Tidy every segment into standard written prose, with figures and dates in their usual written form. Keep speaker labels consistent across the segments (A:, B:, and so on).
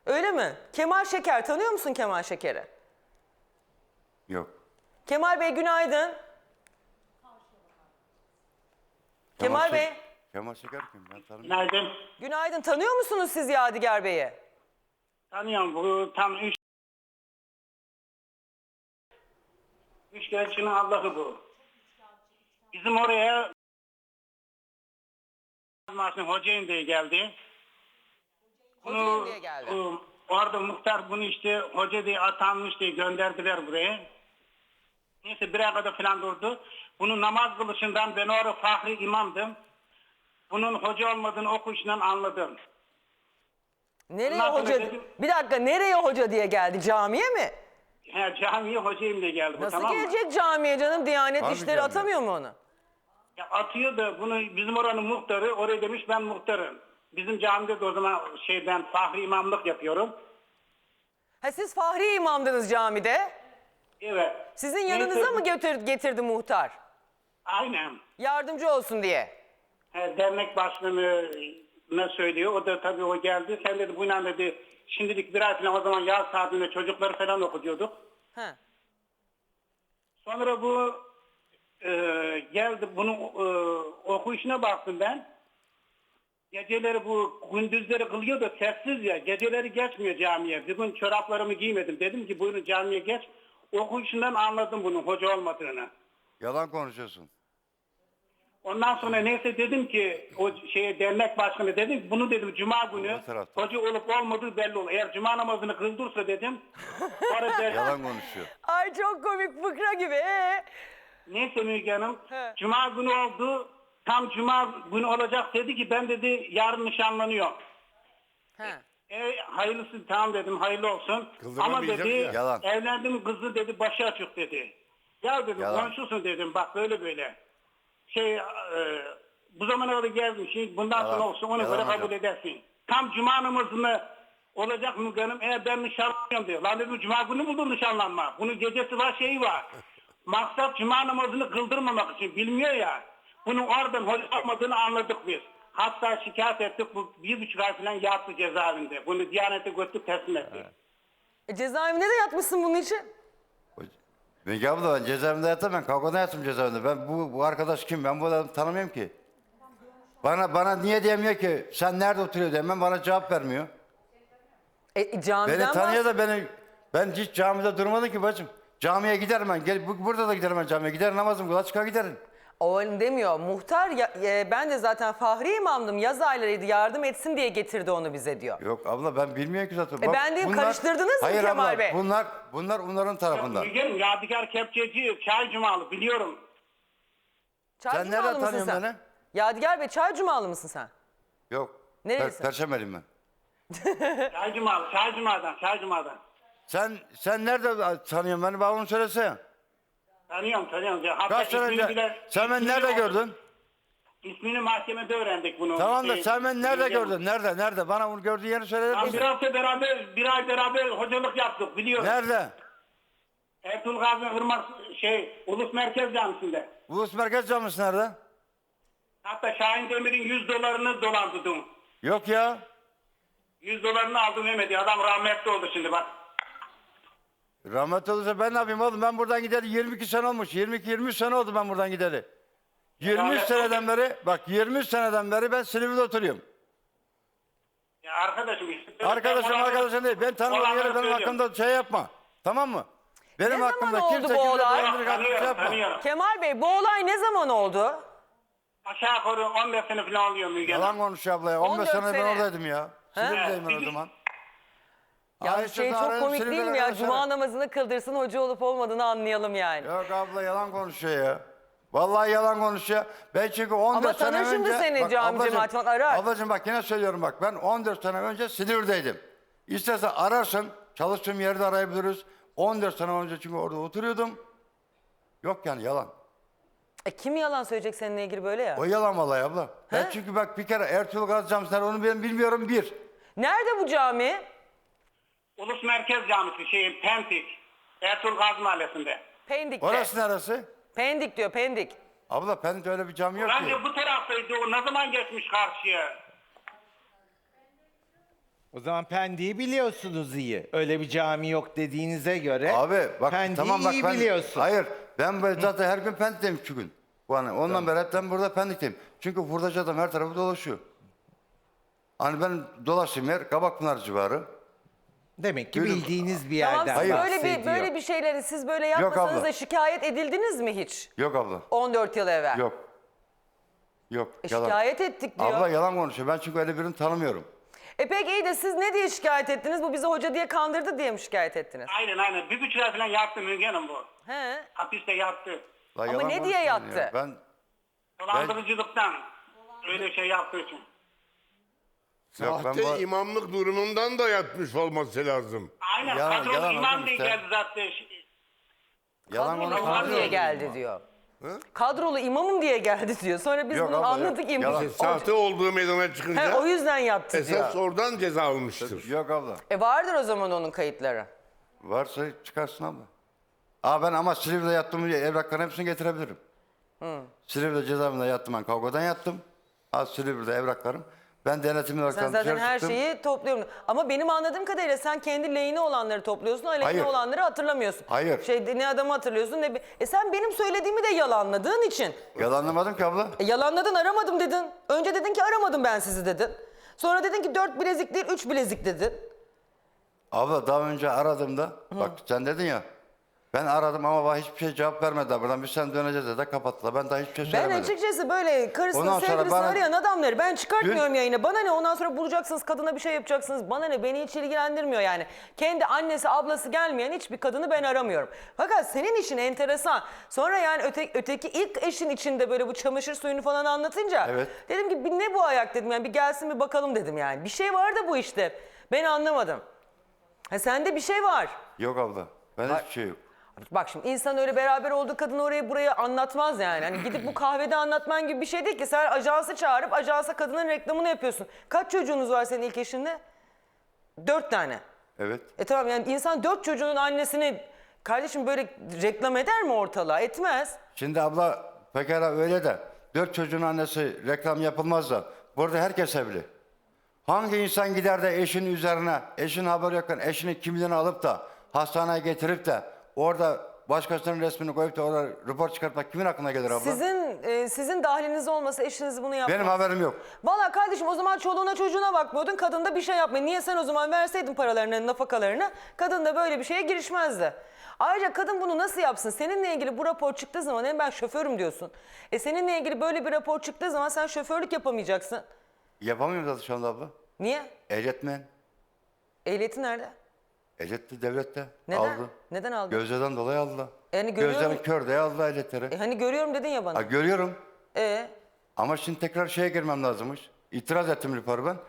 A: Öyle mi? Kemal Şeker, tanıyor musun Kemal Şeker'i?
B: Yok.
A: Kemal Bey günaydın. Kemal Bey.
B: Kemal Şeker kim? Ben tanımıyorum.
C: Günaydın.
A: Günaydın, tanıyor musunuz siz Yadigar Bey'i?
C: Tanıyorum, bu tam üç gençinin Allah'ı bu. Bizim oraya Hocayın diye geldi.
A: Hocayın diye geldi.
C: Orada muhtar bunu işte hoca diye atanmış diye gönderdiler buraya. Neyse bir ay kadar falan durdu. Bunu namaz kılışından ben orada fahri imamdım. Bunun hoca olmadığını okuyuşundan anladım.
A: Nereye
C: Ondan sonra
A: hoca?
C: dedim-
A: Bir dakika, nereye hoca diye geldi? Camiye mi?
C: He, camiye hocayım diye geldi bu,
A: Nasıl
C: tamam mı?
A: gelecek camiye canım? Diyanet
B: Harbi
A: işleri
B: camiye.
A: atamıyor mu onu?
C: Ya atıyor da bunu bizim oranın muhtarı oraya demiş ben muhtarım. Bizim camide de o zaman ben fahri imamlık yapıyorum.
A: Ha, siz Fahri imamdınız camide.
C: Evet.
A: Sizin
C: Neyse,
A: yanınıza mı getirdi muhtar?
C: Aynen.
A: Yardımcı olsun diye.
C: Dernek başkanına söylüyor. O da tabii o geldi. Sen dedi bu inan dedi şimdilik bir ay falan o zaman yaz saatinde çocukları falan okutuyorduk.
A: Ha.
C: Sonra bu geldi bunun okuyuşuna baktım ben. Geceleri bu gündüzleri kılıyor da sessiz ya. Geceleri geçmiyor camiye. Bir gün çoraplarımı giymedim. Dedim ki buyurun camiye geç. Okuyuşundan anladım bunun hoca olmadığını.
B: Yalan konuşuyorsun.
C: Ondan sonra neyse dedim ki o dernek başkanı dedim ki, bunu dedim cuma günü
B: Bu tarafta.
C: hoca olup olmadığı belli olur. Eğer cuma namazını kıldırsa dedim. Sonra
B: Yalan konuşuyor.
A: Ay çok komik, fıkra gibi.
C: neyse Müge Hanım
A: He.
C: cuma günü oldu. Tam cuma günü olacak dedi ki ben dedi yarın nişanlanıyor.
A: Ha.
C: Hayırlısı tamam dedim hayırlı olsun.
B: Kıldırma
C: Ama
B: diyecek
C: dedi
B: ya. Yalan.
C: evlendim kızı dedi başı açık dedi. Ya dedim
B: Yalan.
C: konuşursun dedim bak böyle böyle. Bu zamana kadar geldim şimdi bundan
B: Yalan.
C: sonra olsun ona
B: Yalan
C: göre
B: hocam.
C: kabul edersin. Tam cuma namazını olacak Müge Hanım eğer ben nişanlanıyorum diyor. Lan dedim cuma günü buldum nişanlanma. Bunun gecesi var şeyi var. Maksat cuma namazını kıldırmamak için bilmiyor ya. Bunun oradan hoca olmadığını anladık biz. Hatta şikayet ettik bu 1,5 ay falan yattı cezaevinde. Bunu Diyanet'e götürdük teslim ettik.
A: Cezaevinde de yatmışsın bunun için.
B: Müge abla ben cezaevinde yattım, ben kavgada yattım cezaevinde. Ben bu arkadaş kim? Ben bu adamı tanımıyorum ki. Bana niye diyemiyor ki? Sen nerede oturuyor demem, bana cevap vermiyor.
A: Camiden
B: Beni tanıyor da ben hiç camide durmadım ki bacım. Camiye giderim ben. Burada da giderim ben camiye. Gider namazım kılar çıkar giderim.
A: O öyle demiyor. Muhtar ben de zaten Fahri imamdım. Yaz aylarıydı, yardım etsin diye getirdi onu bize diyor.
B: Yok abla ben bilmiyorum ki zaten. Bak,
A: ben diyeyim, karıştırdınız mı
B: hayır
A: Kemal
B: abla,
A: Bey?
B: Bunlar onların tarafından.
C: Müge Hanım Yadigar Kepçeci Çay Cumalı biliyorum.
A: Çay
B: Sen
A: Cumalı
B: nereden
A: mısın
B: tanıyorsun
A: sen?
B: beni?
A: Yadigar Bey, Çay Cumalı mısın sen?
B: Yok.
A: Nerelisin?
B: Perşembelim ben.
C: Çay Cuma'dan.
B: Sen nerede tanıyorsun beni? Bana onu söylesene.
C: Tanıyorum. Hatta
B: Kaç sene
C: ismini
B: önce? Sen beni nerede gördün?
C: İsmini mahkemede öğrendik bunu.
B: Tamam da sen beni nerede
C: Müge Hanım.
B: gördün? Nerede? Bana bunu gördüğün yeri söyler
C: Tam
B: misin?
C: bir hafta bir ay beraber hocalık yaptık biliyorum.
B: Nerede?
C: Ertuğrul Gazi Hırmak Ulus Merkez Camisi'nde.
B: Ulus Merkez Camisi nerede?
C: Hatta Şahin Demir'in 100 dolarını dolandırdım.
B: Yok ya.
C: 100 dolarını aldım Mehmet'i. Adam rahmetli oldu şimdi bak.
B: Rahmet olursa ben ne yapayım oğlum? Ben buradan gideli 22 sene olmuş. 22-23 sene oldu ben buradan gideli. 23 seneden beri, bak 23 seneden beri ben Silivri'de oturuyorum.
C: Ya arkadaşım işte.
B: Arkadaşım değil. Ben tanımadığım yere benim hakkımda şey yapma. Tamam mı? Benim
A: Ne zaman
B: hakkımda
A: oldu
B: kimse
A: bu olay?
B: dolandırıcı hakkında şey yapma.
C: Tanıyorum.
A: Kemal Bey, bu olay ne zaman oldu?
C: Aşağı yukarı 15 sene falan oluyor Müge Hanım.
B: Yalan konuşuyor abla ya. 15
A: 14
B: sene ben
A: sene.
B: oradaydım ya. Silivri'deyim ben o
C: Evet.
B: zaman.
A: Ya
B: Ay,
A: şey
B: şurada
A: çok
B: arayalım,
A: komik değil
B: Silivri'den
A: mi ya?
B: arasana.
A: Cuma namazını kıldırsın, hoca olup olmadığını anlayalım yani.
B: Yok abla yalan konuşuyor ya. Vallahi yalan konuşuyor. Ben çünkü 14
A: Ama
B: sene
A: tanır şimdi
B: önce...
A: seni
B: Bak
A: cami
B: ablacığım,
A: cemaat falan arar.
B: Ablacığım bak yine söylüyorum bak. Ben 14 sene önce Silivri'deydim. İstersen ararsın. Çalıştığım yerde arayabiliriz. 14 sene önce çünkü orada oturuyordum. Yok yani yalan.
A: Kim yalan söyleyecek seninle ilgili böyle ya?
B: O yalan vallahi abla. Ben çünkü bak bir kere Ertuğrul Gazi Camisi'nden onu ben bilmiyorum bir.
A: Nerede bu cami?
C: Ulus Merkez Camisi Pendik. Ertuğrul Gazi Mahallesi'nde.
A: Pendik'te.
B: Orası neresi?
A: Pendik diyor, Pendik.
B: Abla Pendik'te öyle bir cami yok ki.
C: Bence bu taraftaydı o ne zaman geçmiş karşıya?
D: O zaman Pendik'i biliyorsunuz iyi. Öyle bir cami yok dediğinize göre
B: Abi bak
D: Pendik'i
B: tamam bak
D: iyi
B: ben
D: biliyorsun.
B: hayır ben böyle zaten her gün Pendik'teyim şu gün. Yani ondan beri hep ben burada Pendik'teyim. Çünkü hurdacı adam her tarafı dolaşıyor. Hani ben dolaştığım yer Kabakpınar civarı.
D: Demek ki
B: Yürü.
D: bildiğiniz bir
A: Tamam
D: yerden
A: siz
D: bahsediyor.
A: böyle bir şeyleri siz böyle
B: Yok
A: yapmasanız
B: abla.
A: da şikayet edildiniz mi hiç?
B: Yok abla.
A: 14 yıl evvel.
B: Yok. Yok. Yalan.
A: Şikayet ettik diyor.
B: Abla yalan konuşuyor. Ben çünkü öyle birini tanımıyorum.
A: Peki iyi de siz ne diye şikayet ettiniz? Bu bizi hoca diye kandırdı diye mi şikayet ettiniz?
C: Aynen. Bir buçuk ay falan yattı Müge Hanım bu.
A: He.
C: Hapiste yattı.
B: La
A: Ama
B: yalan
A: ne diye
B: konuşuyorsun
A: yattı?
B: ya. Ben
C: Dolandırıcılıktan. Öyle şey yaptığı için.
B: yok, ben
E: Sahte
B: bu-
E: imamlık durumundan da yatmış olması lazım.
C: Aynen.
B: Yalan-
C: Patron
B: yalan
C: imam
B: hocam
C: diye
B: işte.
C: geldi zaten.
B: yalan
A: Kadrolu
B: konuşuyorsun.
A: imam diye geldi diyor. Kadrolu imamım diye geldi diyor. Sonra biz
B: Yok
A: bunu
B: abla, yok.
A: anladık.
B: Yalan.
E: Sahte olduğu meydana çıkınca
A: O yüzden yattı diyor.
E: esas oradan ceza almıştır.
B: Yok abla.
A: Vardır o zaman onun kayıtları.
B: Varsa çıkarsın abla. Ben ama Silivri'de yattığım evrakların hepsini getirebilirim. Silivri'de cezaevinde yattım ben. Kavgadan yattım. Silivri'de evraklarım. Ben denetimli olarak
A: Sen zaten
B: dışarı
A: her
B: çıktım.
A: şeyi topluyorum. Ama benim anladığım kadarıyla sen kendi lehine olanları topluyorsun, aleyhine
B: Hayır.
A: olanları hatırlamıyorsun.
B: Hayır.
A: Ne adamı hatırlıyorsun ne... Sen benim söylediğimi de yalanladığın için.
B: Yalanlamadım ki abla.
A: Yalanladın, aramadım dedin. Önce dedin ki aramadım ben sizi dedin. Sonra dedin ki 4 bilezik değil 3 bilezik dedin.
B: Abla daha önce aradığımda bak sen dedin ya ben aradım ama bana hiçbir şey cevap vermediler. Buradan biz sen döneceğiz de kapattılar. Ben daha hiçbir şey
A: Ben
B: söylemedim.
A: açıkçası böyle karısını
B: Ondan sonra
A: sevgilisini
B: bana-
A: arayan adamları ben çıkartmıyorum
B: Dün-
A: yayına. Bana ne, ondan sonra bulacaksınız kadına bir şey yapacaksınız. Bana ne, beni hiç ilgilendirmiyor yani. Kendi annesi ablası gelmeyen hiçbir kadını ben aramıyorum. Fakat senin işin enteresan. Sonra yani öteki ilk eşin içinde böyle bu çamaşır suyunu falan anlatınca.
B: Evet.
A: Dedim ki ne bu ayak dedim yani bir gelsin bir bakalım dedim yani. Bir şey var da bu işte. Ben anlamadım. Sende bir şey var.
B: Yok abla. Ben hiçbir şey yok.
A: Bak şimdi insan öyle beraber olduğu kadını oraya buraya anlatmaz yani. Hani gidip bu kahvede anlatman gibi bir şey değil ki. Sen ajansı çağırıp ajansa kadının reklamını yapıyorsun. Kaç çocuğunuz var senin ilk eşinle? 4 tane.
B: Evet.
A: Tamam yani insan 4 çocuğunun annesini kardeşim böyle reklam eder mi ortalığa? Etmez.
B: Şimdi abla pekala öyle de 4 çocuğun annesi reklam yapılmaz da burada herkes evli. Hangi insan gider de eşinin üzerine, eşinin haberi yokken eşinin kimliğini alıp da hastaneye getirip de orada başkasının resmini koyup da orada rapor çıkartmak kimin aklına gelir abla?
A: Sizin dahliniz olmasa eşiniz bunu yapmaz.
B: Benim haberim yok.
A: Vallahi kardeşim o zaman çoluğuna çocuğuna bakmıyordun. Kadın da bir şey yapmıyor. Niye sen o zaman verseydin paralarını, nafakalarını? Kadın da böyle bir şeye girişmezdi. Ayrıca kadın bunu nasıl yapsın? Seninle ilgili bu rapor çıktığı zaman hem ben şoförüm diyorsun. Seninle ilgili böyle bir rapor çıktığı zaman sen şoförlük yapamayacaksın.
B: Yapamıyorum zaten şu anda abla.
A: Niye?
B: Ehliyet mi?
A: Ehliyeti nerede?
B: Ehliyet de devlette
A: Neden?
B: aldı.
A: Neden aldın?
B: Gözlerden dolayı aldılar.
A: Yani görüyorum.
B: Gözlerin kör diye aldılar ehliyetleri.
A: Hani görüyorum dedin ya bana.
B: Görüyorum.
A: Ama
B: Ama şimdi tekrar şeye girmem lazımmış. İtiraz ettim raporu ben.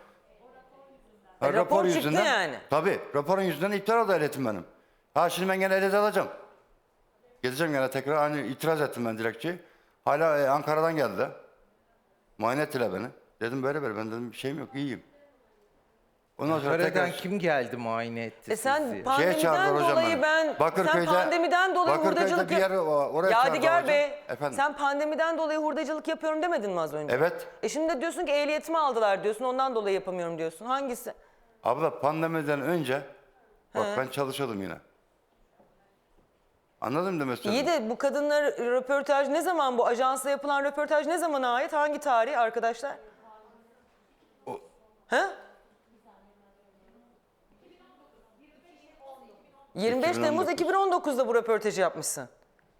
A: rapor çıktı yani.
B: Tabii. Raporun yüzünden iptal oldu ehliyetim benim. Şimdi ben gene ehliyet alacağım. Gideceğim gene tekrar. Hani itiraz ettim ben dilekçeyi. Hala Ankara'dan geldi. Muayene ettiler beni. Dedim böyle ben dedim bir şeyim yok iyiyim. Ondan sonra
D: Ankara'dan
B: tekrar
D: kim geldi muayene etti
A: sen
D: sizi?
A: pandemiden
B: çağırdılar hocam
A: dolayı
B: beni. Bakırköy'de-
A: sen pandemiden dolayı
B: Bakırköy'de
A: hurdacılık
B: bir yer oraya
A: Yadigar
B: çağırdılar
A: Bey
B: hocam. Efendim?
A: sen pandemiden dolayı hurdacılık yapıyorum demedin mi az önce?
B: Evet.
A: Şimdi de diyorsun ki ehliyetimi aldılar diyorsun ondan dolayı yapamıyorum diyorsun. Hangisi?
B: Abla pandemiden önce bak ben çalışıyordum yine. Anladın mı demek
A: İyi
B: istediğimi?
A: de bu kadınlar röportaj ne zaman, bu ajansla yapılan röportaj ne zamana ait? Hangi tarih arkadaşlar? He? 25 Temmuz 2019'da bu röportajı yapmışsın.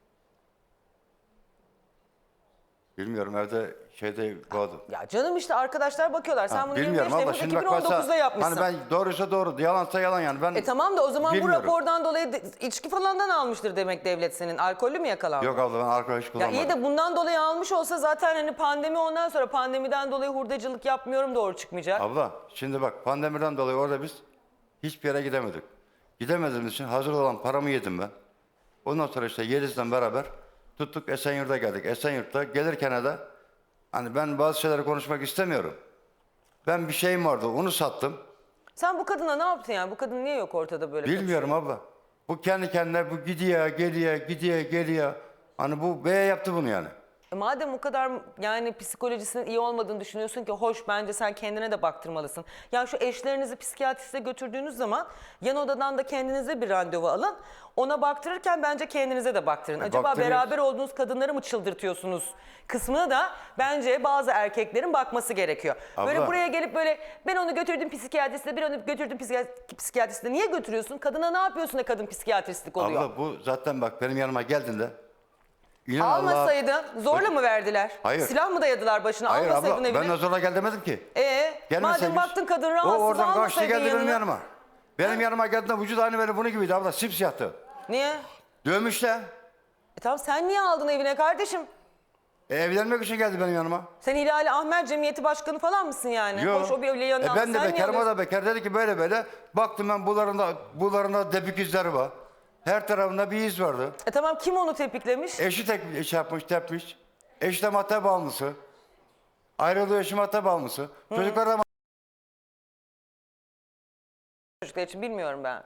B: Bilmiyorum evde şeyde vardı.
A: Ya canım işte arkadaşlar bakıyorlar. Sen bunu 25
B: Bilmiyorum abla
A: Temmuz
B: şimdi bak
A: 2019'da
B: varsa
A: yapmışsın.
B: hani ben doğruysa doğru yalansa yalan yani ben
A: Tamam da o zaman
B: bilmiyorum.
A: bu rapordan dolayı içki falandan almıştır demek devlet senin. Alkollü mü yakalandın?
B: Yok abla ben alkol hiç
A: Ya
B: kullanmadım.
A: iyi de bundan dolayı almış olsa zaten hani pandemi ondan sonra pandemiden dolayı hurdacılık yapmıyorum doğru çıkmayacak.
B: Abla şimdi bak pandemiden dolayı orada biz hiçbir yere gidemedik. Gidemediğimiz için hazır olan paramı yedim ben. Ondan sonra işte Yeliz'le beraber tuttuk Esenyurt'a geldik. Esenyurt'ta gelirken de hani ben bazı şeyleri konuşmak istemiyorum. Ben bir şeyim vardı onu sattım.
A: Sen bu kadına ne yaptın yani? Bu kadın niye yok ortada böyle?
B: Bilmiyorum abla. Bu kendi kendine bu gidiyor geliyor gidiyor geliyor. Hani bu beye yaptı bunu yani.
A: Madem o kadar yani psikolojisinin iyi olmadığını düşünüyorsun ki hoş, bence sen kendine de baktırmalısın. Ya şu eşlerinizi psikiyatriste götürdüğünüz zaman yan odadan da kendinize bir randevu alın. Ona baktırırken bence kendinize de baktırın. Acaba
B: baktırıyoruz.
A: beraber olduğunuz kadınları mı çıldırtıyorsunuz kısmına da bence bazı erkeklerin bakması gerekiyor. Böyle
B: Abla.
A: buraya gelip böyle ben onu götürdüm psikiyatriste, ben onu götürdüm psikiyatriste. Niye götürüyorsun? Kadına ne yapıyorsun da kadın psikiyatristlik oluyor?
B: Abla bu zaten bak benim yanıma geldiğinde İnan Allah'a-
A: Almasaydın zorla mı verdiler?
B: Hayır.
A: Silah mı dayadılar başına?
B: Hayır
A: Almasaydın
B: abla
A: evine.
B: ben de zorla gel demedim ki.
A: Madem
B: Gelmeseymiş.
A: baktın kadın
B: O
A: rahatsız,
B: oradan kaçtı
A: almasaydın
B: geldi benim
A: yanına.
B: yanıma. Benim yanıma geldiğinde vücut aynı böyle bunu gibiydi abla, simsiyahtı.
A: Niye?
B: Dövmüşler.
A: Tamam, sen niye aldın evine kardeşim?
B: Evlenmek için geldi benim yanıma.
A: Sen Hilali Ahmer Cemiyeti Başkanı falan mısın yani?
B: Yok.
A: Hoş, o bir evli yanına
B: Ben
A: aldı,
B: de
A: sen niye
B: bekarım, o
A: alıyorsun?
B: da bekar. Dedi ki böyle böyle. Baktım ben bularında depik izleri var. Her tarafında bir iz vardı.
A: Tamam, kim onu tepiklemiş?
B: Eşi tepmiş. Eşi de madde bağımlısı. Ayrılıyor, eşi madde bağımlısı. Çocuklar da
A: Çocuklar için bilmiyorum ben.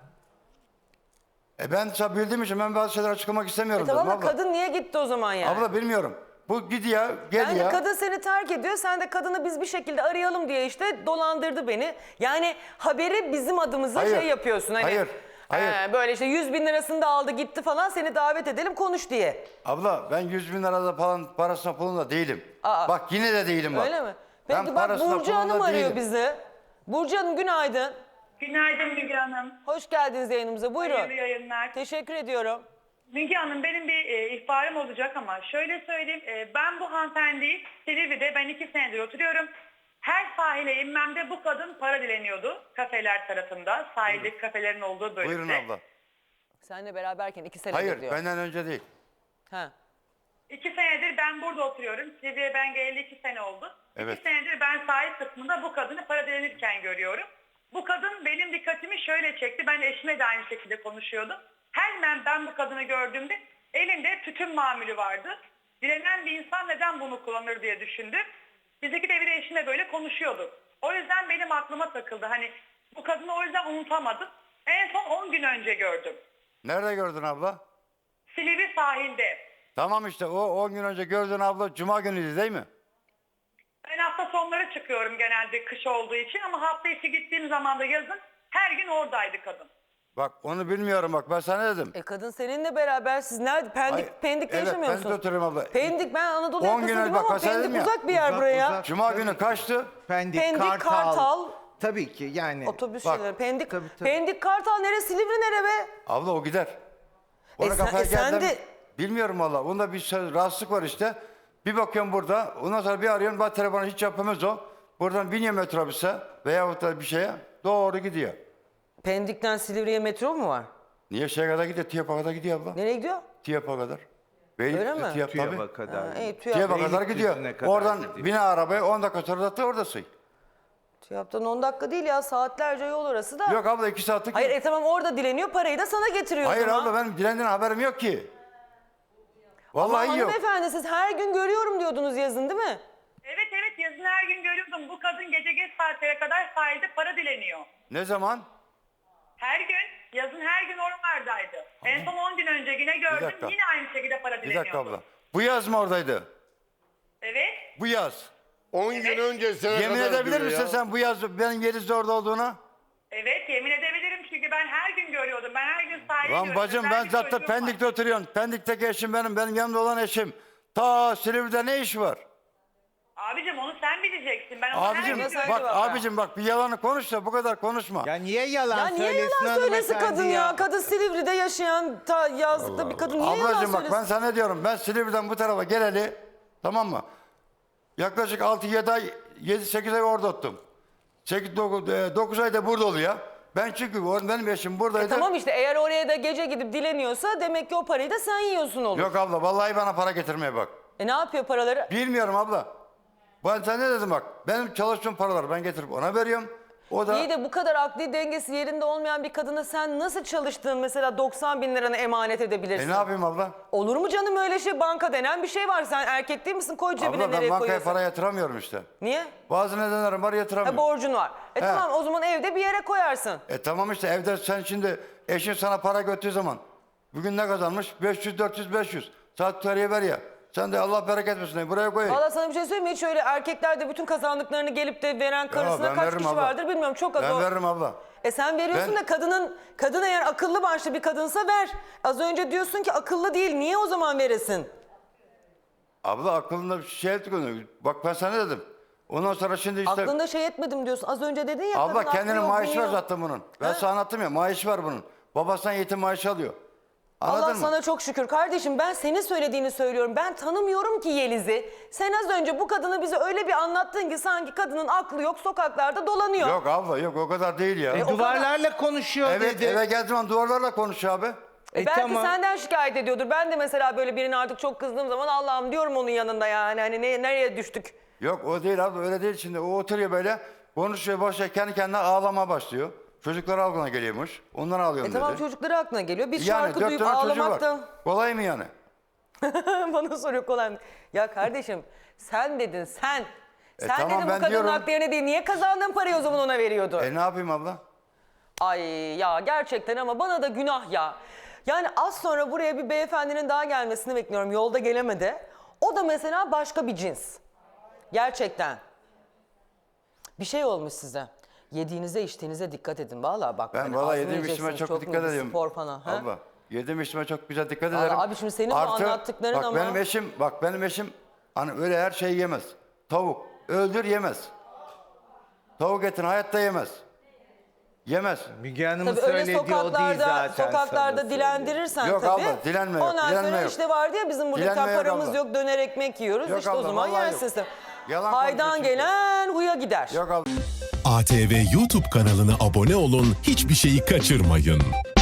B: ben bildiğim için ben bazı şeyler açıklamak istemiyorum
A: Tamam da
B: dedim abla.
A: kadın niye gitti o zaman yani?
B: Abla bilmiyorum. Bu gidiyor, geliyor.
A: Yani kadın seni terk ediyor, sen de kadını biz bir şekilde arayalım diye işte dolandırdı beni. Yani haberi bizim adımıza
B: Hayır,
A: şey yapıyorsun. Hani,
B: hayır.
A: Böyle işte 100.000 lirasını da aldı gitti falan, seni davet edelim konuş diye.
B: Abla ben 100.000 lirada falan parasına pulunda değilim.
A: Aa.
B: Bak yine de değilim bak.
A: Öyle mi?
B: Ben
A: Peki bak,
B: parasına
A: Burcu Hanım
B: pulunda
A: arıyor
B: değilim.
A: bizi. Burcu Hanım günaydın.
F: Günaydın Müge Hanım.
A: Hoş geldiniz yayınımıza, buyurun.
F: Hayırlı yayınlar.
A: Teşekkür ediyorum.
F: Müge Hanım, benim bir ihbarım olacak ama şöyle söyleyeyim. Ben bu hanımefendiyi Silivri'de, ben 2 senedir oturuyorum. Her sahile inmemde bu kadın para dileniyordu. Kafeler tarafında, sahildeki kafelerin olduğu bölümde.
B: Buyurun abla.
A: Seninle beraberken 2 senedir
B: Hayır
A: diyor.
B: benden önce değil.
A: Ha.
F: 2 senedir ben burada oturuyorum. Silivri'ye ben geleli 2 sene oldu.
B: Evet.
F: 2 senedir ben sahil kısmında bu kadını para dilenirken görüyorum. Bu kadın benim dikkatimi şöyle çekti. Ben eşime de aynı şekilde konuşuyordum. Hemen ben bu kadını gördüğümde elinde tütün mamülü vardı. Dilenen bir insan neden bunu kullanır diye düşündüm. Biz iki de bir eşimle böyle konuşuyorduk. O yüzden benim aklıma takıldı. Hani bu kadını o yüzden unutamadım. En son 10 gün önce gördüm.
B: Nerede gördün abla?
F: Silivri sahilde.
B: Tamam işte o 10 gün önce gördüğün abla cuma günüydü değil mi?
F: Ben hafta sonları çıkıyorum genelde kış olduğu için ama hafta içi gittiğim zaman da yazın her gün oradaydı kadın.
B: Bak onu bilmiyorum bak ben sana dedim.
A: Kadın seninle beraber, siz nerede? Pendik'te
B: evet,
A: yaşamıyor musunuz?
B: Pendik'te oturuyorum abla.
A: Pendik, ben Anadolu
B: 10
A: yakasındayım
B: gün önce bak,
A: ama
B: ben sana
A: Pendik
B: dedim ya.
A: uzak bir yer
D: Uzak,
A: buraya.
D: uzak.
B: Cuma
D: Tabii.
B: günü kaçtı?
D: Pendik,
A: Kartal.
D: Tabii ki yani.
A: Otobüs
B: Bak,
A: şeyleri. Pendik,
D: tabii, tabii.
A: Pendik Kartal nere? Silivri nere be?
B: Abla o gider. Ona
A: sen-
B: kafaya
A: sen
B: geldim.
A: de-
B: Bilmiyorum valla. Onda bir rahatsızlık var işte. Bir bakıyorum burada. Ondan sonra bir arıyorum. Ben telefonu hiç yapamaz o. Buradan biniyor metrobüse veyahut da bir şeye. Doğru gidiyor.
A: Pendik'ten Silivri'ye metro mu var?
B: Niye şeye kadar gidiyor? TİAP'a kadar gidiyor abla.
A: Nereye gidiyor?
B: TİAP'a kadar.
A: Öyle mi?
B: TİAP tabii.
D: TÜYAP'a kadar.
A: İyi,
B: TİAP'a kadar gidiyor.
D: Beylikdüzü'ne kadar
B: Oradan
D: gidiyor.
B: bine arabaya 10 dakika sonra da orada sığ.
A: TÜYAP'tan 10 dakika değil ya, saatlerce yol orası da.
B: Yok abla 2 saatlik.
A: Hayır tamam, orada dileniyor, parayı da sana getiriyor.
B: Hayır
A: o zaman.
B: abla benim dilendiğin haberim yok ki.
A: Ama
B: Vallahi yok.
A: hanımefendi, siz her gün görüyorum diyordunuz yazın değil mi?
F: Evet yazın her gün görüyordum. Bu kadın gece geç saatlere kadar sahilde para dileniyor.
B: Ne zaman?
F: Her gün, yazın her gün oralardaydı. En son 10 gün önce yine gördüm,
B: dakika.
F: yine aynı şekilde para
B: Bir
F: dileniyordu.
B: dakika abla. Bu yaz mı oradaydı?
F: Evet.
B: Bu yaz.
E: 10 gün öncesine
B: Yemin
E: kadar
B: edebilir
E: diyor
B: misin
E: ya.
B: sen bu yaz benim Yeliz'de orada olduğuna?
F: Evet, yemin edebilirim çünkü ben her gün görüyordum. Ben her gün sahile
B: Lan bacım ben zaten Pendik'te oturuyorum. Pendik'teki eşim benim yanımda olan eşim. Ta Silivri'de ne iş var?
F: Abicim onu sen bileceksin. Ben onu her
B: Abicim
F: gün
A: Nasıl
F: görüyorum.
B: bak
A: bak.
B: abicim bak bir yalanı konuş da bu kadar konuşma.
D: Ya niye yalan
A: Ya niye
D: söylesin
A: yalan söylesin
D: hanımefendi
A: kadın ya? Kadın Silivri'de yaşayan, yazlıkta bir kadın niye yalan
B: Ablacığım bak
A: söylesin?
B: ben sana ne diyorum, ben Silivri'den bu tarafa geleli, tamam mı? Yaklaşık 6-7 ay, 7-8 ay orada ottum. 9 ay da burada oluyor. Ben çünkü benim eşim buradaydı.
A: Tamam işte, eğer oraya da gece gidip dileniyorsa demek ki o parayı da sen yiyorsun olur.
B: Yok abla vallahi bana para getirmeye bak.
A: Ne yapıyor paraları?
B: Bilmiyorum abla. Ben sana ne dedim bak. Benim çalıştığım paraları ben getirip ona veriyorum. O da
A: İyi de bu kadar akli dengesi yerinde olmayan bir kadına sen nasıl çalıştığın mesela 90.000 liranı emanet edebilirsin?
B: ne yapayım abla?
A: Olur mu canım öyle şey? Banka denen bir şey var. Sen erkek değil misin? Koy cebine,
B: Abla ben
A: nereye
B: bankaya
A: koyuyorsun?
B: para yatıramıyorum işte.
A: Niye?
B: Bazı nedenlerim var yatıramıyorum.
A: Borcun var. Tamam, o zaman evde bir yere koyarsın.
B: Tamam işte evde sen şimdi eşin sana para götürdüğü zaman bugün ne kazanmış? 500, 400, 500. Saat tutarıya ver ya. Sen de Allah bereket versin de buraya koy.
A: Valla sana bir şey söyleyeyim mi? Hiç öyle erkekler de bütün kazandıklarını gelip de veren karısına
B: ben
A: kaç
B: veririm
A: kişi
B: abla.
A: vardır bilmiyorum. Çok az
B: Ben
A: o.
B: veririm abla.
A: Sen veriyorsun
B: Ben-
A: da kadın eğer akıllı başlı bir kadınsa ver. Az önce diyorsun ki akıllı değil. Niye o zaman veresin?
B: Abla aklında bir şey etmiyor. Bak ben sana dedim. Ondan sonra şimdi işte...
A: Aklında şey etmedim diyorsun. Az önce dedin ya.
B: Abla
A: kadın
B: kendine
A: aklı yok,
B: maaşı var
A: bilmiyor.
B: zaten bunun. Ben sana anlattım ya maaşı var bunun. Babasından yetim maaşı alıyor. Anladın
A: Allah
B: mı?
A: sana çok şükür. Kardeşim ben senin söylediğini söylüyorum. Ben tanımıyorum ki Yeliz'i. Sen az önce bu kadını bize öyle bir anlattın ki sanki kadının aklı yok, sokaklarda dolanıyor.
B: Yok abla yok o kadar değil ya.
D: Duvarlarla konuşuyor
B: Evet
D: dedi.
B: eve geldiğim zaman duvarlarla konuşuyor abi.
A: Belki
D: tamam.
A: senden şikayet ediyordur. Ben de mesela böyle birine artık çok kızdığım zaman Allah'ım diyorum onun yanında yani. Hani nereye düştük?
B: Yok o değil abla öyle değil şimdi. O oturuyor böyle konuşuyor başlıyor kendi kendine ağlamaya başlıyor. Çocuklar aklına geliyormuş. Ondan ağlıyorum
A: Tamam
B: dedi.
A: çocukları aklına geliyor. Bir
B: Yani
A: şarkı
B: 4
A: duyup
B: tane çocuğu var.
A: ağlamaktan.
B: Kolay mı yani?
A: Bana soruyor kolay mı? Ya kardeşim sen dedin sen. Sen
B: tamam,
A: dedin bu
B: ben
A: kadının
B: diyorum.
A: aklı yerine değil. Niye kazandığın parayı o zaman ona veriyordu?
B: Ne yapayım abla?
A: Ay ya gerçekten ama bana da günah ya. Yani az sonra buraya bir beyefendinin daha gelmesini bekliyorum. Yolda gelemedi. O da mesela başka bir cins. Gerçekten. Bir şey olmuş size. Yediğinize içtiğinize dikkat edin. Vallahi bak.
B: Ben
A: hani
B: valla
A: az mı
B: yediğim içime
A: yiyeceksiniz,
B: çok
A: mu
B: dikkat
A: bir
B: ediyorum.
A: Spor falan. Ha?
B: Abla yediğim içime çok güzel dikkat
A: Vallahi
B: ederim.
A: abi şimdi senin bu anlattıkların
B: bak
A: ama-
B: benim eşim hani öyle her şeyi yemez. Tavuk öldür yemez. Tavuk etini hayatta yemez. Yemez.
D: Müge Hanım'ın
A: Tabii öyle
D: söylediği o değil zaten.
A: sokaklarda
D: sana
A: dilendirirsen
B: Yok
A: tabii.
B: abla, dilenme yok,
A: Ondan
B: dilenme
A: sonra
B: yok.
A: işte vardı ya bizim burada
B: Dilenme yok
A: paramız
B: abla.
A: yok döner ekmek yiyoruz.
B: Yok
A: işte o
B: abla,
A: zaman
B: vallahi
A: yersin.
B: yok. Yalan
A: Haydan
B: konuşuyor çünkü.
A: gelen huya gider.
B: Yok abla.
G: ATV YouTube kanalına abone olun, hiçbir şeyi kaçırmayın.